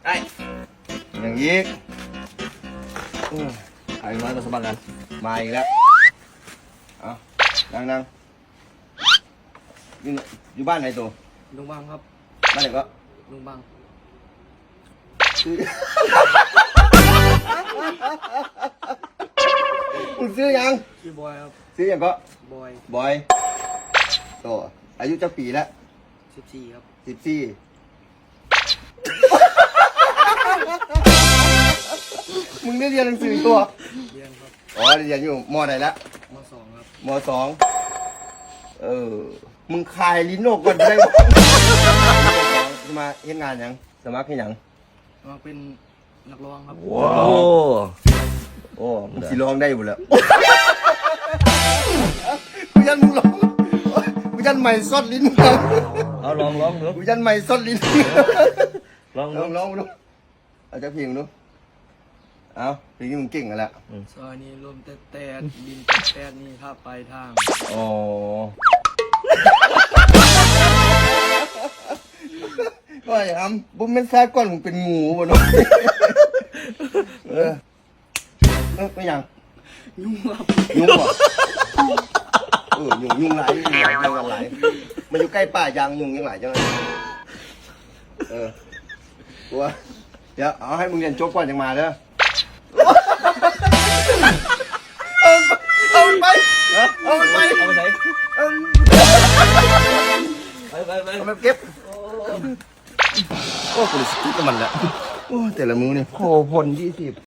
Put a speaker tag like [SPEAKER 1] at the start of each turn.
[SPEAKER 1] ได้อย่างนี้ไอ้น้อยมาสมัครกันมาอีกแล้วเอานั่งอยู่บ้านไหนตัว
[SPEAKER 2] ลุงบังครับ
[SPEAKER 1] บ้านไหนก็
[SPEAKER 2] ลุงบัง
[SPEAKER 1] ซื้อมึงซื้อยัง
[SPEAKER 2] ชื่อบอยครับ
[SPEAKER 1] ซื้อยังก็
[SPEAKER 2] บอย
[SPEAKER 1] บอยโตอายุจะปีแล้ว
[SPEAKER 2] 14ครับ
[SPEAKER 1] 14มึงได้เรียนหนังสือตัว
[SPEAKER 2] เรียนครับ
[SPEAKER 1] อ๋อเรียนอยู่มไหนแล้ว
[SPEAKER 2] ม.2ครับ
[SPEAKER 1] ม.2มึงคายลิ้นออกก่อนได้ไหมจะมาเฮ็ดงานยังสมัครให้ยัง
[SPEAKER 2] มาเป็นนักร้องครับ
[SPEAKER 1] โอ้มึงสิร้องได้อยู่แล้วกูยันมึงร้องกูยันใหม่ซดลิ้นมึง
[SPEAKER 3] เอาลองดู
[SPEAKER 1] กูยันใหม่ซดลิ้น
[SPEAKER 3] ลอง
[SPEAKER 1] ล
[SPEAKER 3] ดู
[SPEAKER 1] องดูเอาจะเพียงดูเอาเพลงนี้มึงเก่งกันแล้ว
[SPEAKER 2] ซอยนี้ลมแต่ดินแต่นี่ถ้าไปทาง
[SPEAKER 1] อ๋อก็อย่างนั้นบุ้มเป็นแซ่ก้อนมึงเป็นงูบ่เนาะไม่ยัง
[SPEAKER 2] ยุ่งครับ
[SPEAKER 1] ยุ่งเหรอยุ่งหลายยุ่งหลายมันอยู่ใกล้ป่ายางยุ่งยังหลายจังเลยกลัวเดี๋ยวเอาให้มึงเรียนจบก่อนยังมาเด้อเอาไป
[SPEAKER 3] เอาไปใส่ไป
[SPEAKER 1] เอาไปเก็บโอ้กูเลยสติ๊กกับมันแล้วโอ้แต่ละมือเนี่ยโอ้พล20